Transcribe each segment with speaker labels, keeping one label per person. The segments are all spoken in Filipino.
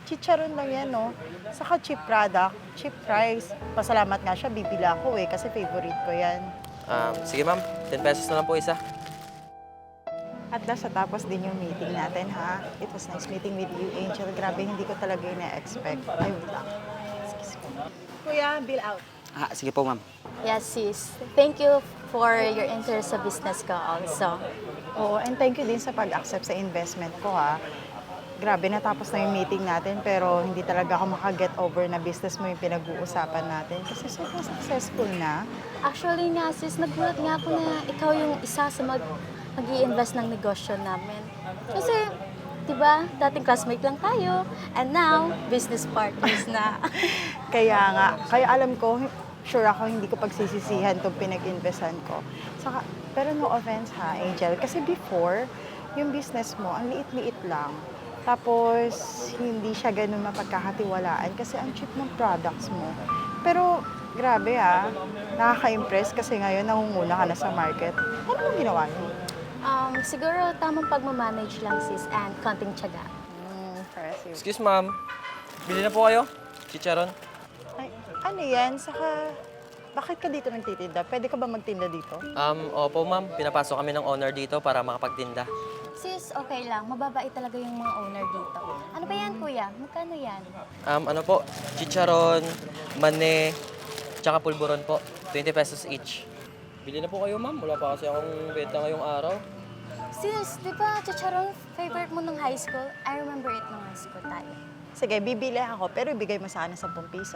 Speaker 1: Chicharon lang yan, no? Saka cheap product, cheap price. Pasalamat nga siya, bibili ako eh, kasi favorite ko yan.
Speaker 2: Sige ma'am, 10 pesos na lang po isa.
Speaker 1: At nasa tapos din yung meeting natin, ha? It was nice meeting with you, Angel. Grabe, hindi ko talaga ina-expect. Ay, wait lang. Excuse me. Kuya, bill out.
Speaker 3: Sige po, ma'am.
Speaker 4: Yes, sis. Thank you for your interest sa business ko also.
Speaker 1: Oo, and thank you din sa pag-accept sa investment ko, ha? Grabe, natapos na yung meeting natin, pero hindi talaga ako makaget over na business mo yung pinag-uusapan natin. Kasi sobrang successful na.
Speaker 4: Actually nga, sis, nagulat nga ako na ikaw yung isa sa mag-i-invest ng negosyo namin. Kasi, di ba, dating classmate lang tayo, and now, business partners na.
Speaker 1: Kaya alam ko, sure ako hindi ko pagsisisihan itong pinag-investan ko. Saka, pero no offense ha, Angel, kasi before, yung business mo, ang liit-liit lang. Tapos, hindi siya ganun mapagkakatiwalaan kasi ang cheap ng products mo. Pero, grabe nakaka-impress kasi ngayon nangunguna ka na sa market. Ano mong ginawa niyo?
Speaker 4: Siguro tamang pagmamanage lang, sis, and konting tiyaga.
Speaker 1: Impressive.
Speaker 2: Excuse ma'am, bili na po kayo? Chicharon?
Speaker 1: Ay, ano yan? Saka, bakit ka dito nagtitinda? Pwede ka ba magtinda dito?
Speaker 2: Opo ma'am, pinapasok kami ng owner dito para makapagtinda.
Speaker 4: Sis, okay lang. Mababait talaga yung mga owner dito. Ano ba yan, kuya? Magkano yan?
Speaker 2: Ano po, chicharon, mane, tsaka pulburon po. 20 pesos each. Bili na po kayo ma'am, wala pa kasi akong benta ngayong araw.
Speaker 4: Sis, di ba chicharon favorite mo nung high school? I remember it nung high school tayo.
Speaker 1: Sige, bibili ako, pero ibigay mo sa akin 10 piso.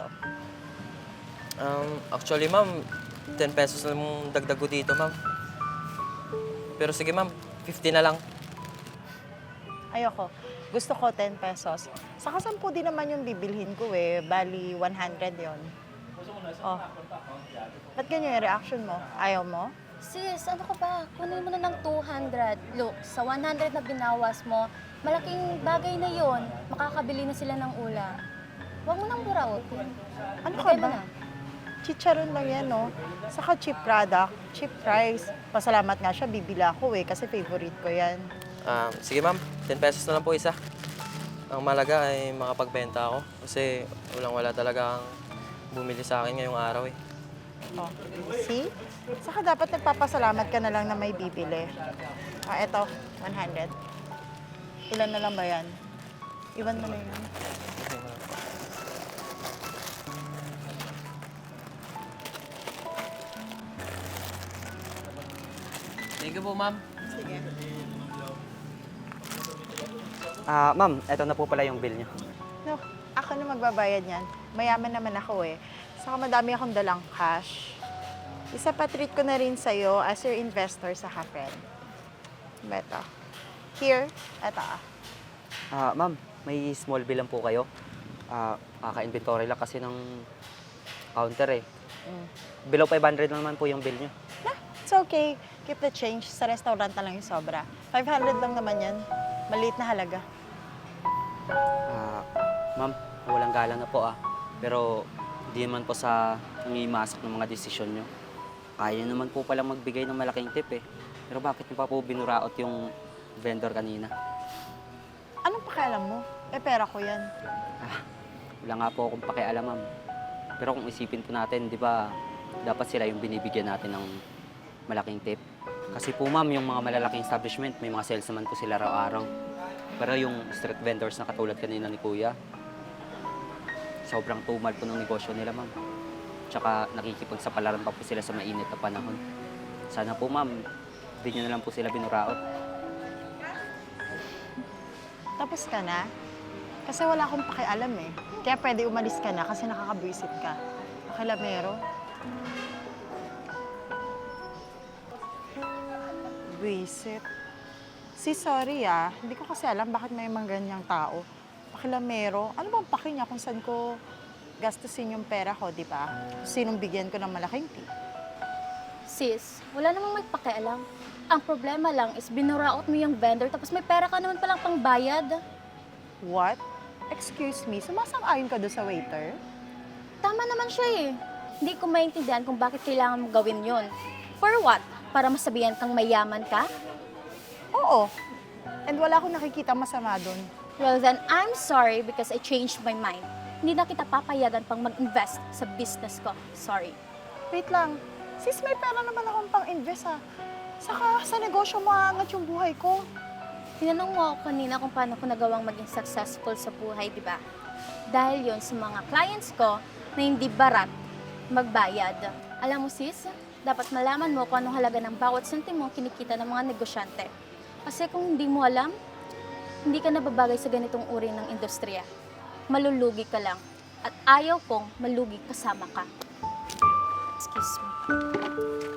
Speaker 2: Actually ma'am, 10 pesos lang dagdag ko dito ma'am. Pero sige ma'am, 50 na lang.
Speaker 1: Ayoko. Gusto ko 10 pesos. Saka 10 din naman yung bibilhin ko eh. Bali, 100 yon. Oh. Ba't ganyan yung reaction mo? Ayaw mo?
Speaker 4: Sis, ano ka ba? Kunin mo na ng 200. Look, sa 100 na binawas mo, malaking bagay na yon. Makakabili na sila ng ulam. Huwag mo nang burautin.
Speaker 1: Ano ka
Speaker 4: Bigay mo
Speaker 1: ba?
Speaker 4: na.
Speaker 1: Chicharon lang yan, no? Saka cheap product, cheap price. Pasalamat nga siya, bibili ako eh, kasi favorite ko yan.
Speaker 2: Sige ma'am, 10 pesos na lang po isa. Ang malaga ay makapagbenta ako kasi wala talaga ang bumili sa akin ngayong araw eh.
Speaker 1: Oh, see? Saka dapat nagpapasalamat ka na lang na may bibili. Eto, 100. Ilan na lang ba yan? Iwan mo na yun.
Speaker 2: Thank you po ma'am.
Speaker 1: Sige.
Speaker 3: Ma'am, eto na po pala yung bill niyo.
Speaker 1: No, ako na magbabayad niyan. Mayaman naman ako eh. Saka madami akong dalang cash. Isa pa treat ko na rin sa'yo as your investor sa friend. Beto. Here, eto
Speaker 3: Ma'am, may small bill lang po kayo. Kaka-inventory lang kasi ng counter eh. Below 500 lang naman po yung bill niyo.
Speaker 1: It's okay. Keep the change. Sa restaurant na lang yung sobra. 500 lang naman yan. Maliit na halaga.
Speaker 3: Ma'am, walang galang na po Pero hindi naman po sa umimasak ng mga desisyon nyo. Kaya naman po palang magbigay ng malaking tip eh. Pero bakit nyo pa po binuraot yung vendor kanina?
Speaker 1: Anong pakialam mo? Pera ko yan.
Speaker 3: Wala nga po akong pakialam, ma'am. Pero kung isipin po natin, di ba, dapat sila yung binibigyan natin ng malaking tip. Kasi po, ma'am, yung mga malalaking establishment, may mga sales naman po sila araw-araw. Pero yung street vendors na katulad kanina ni Kuya, sobrang tumal po ng negosyo nila, ma'am. Tsaka nakikipagsapalaran pa po sila sa mainit na panahon. Sana po, ma'am, hindi nyo na lang po sila binuraot.
Speaker 1: Tapos ka na? Kasi wala akong pakialam eh. Kaya pwede umalis ka na kasi nakakabwisit ka. Pakilamero. Buwisit. Sorry Hindi ko kasi alam bakit may mga ganyang tao. Pakilamero. Ano bang paki niya kung saan ko gastusin yung pera ko, di ba? Sinong bigyan ko ng malaking tip?
Speaker 4: Sis, wala namang may pakialam. Ang problema lang is binuraot mo yung vendor tapos may pera ka naman palang pangbayad.
Speaker 1: What? Excuse me, sumasang-ayon ka doon sa waiter?
Speaker 4: Tama naman siya eh. Hindi ko maintindihan kung bakit kailangan mo gawin yon. For what? Para masabihan kang mayaman ka?
Speaker 1: Oo. And wala akong nakikita masama doon.
Speaker 4: Well then, I'm sorry because I changed my mind. Hindi na kita papayagan pang mag-invest sa business ko. Sorry.
Speaker 1: Wait lang. Sis, may pera naman akong pang-invest ah. Saka sa negosyo maangat yung buhay ko.
Speaker 4: Tinanong mo ako kanina kung paano ko nagawang maging successful sa buhay, di ba? Dahil yon sa mga clients ko na hindi barat magbayad. Alam mo sis, dapat malaman mo kung anong halaga ng bawat sentimo kinikita ng mga negosyante. Kasi kung hindi mo alam, hindi ka nababagay sa ganitong uri ng industriya. Malulugi ka lang. At ayaw kong malugi kasama ka. Excuse me.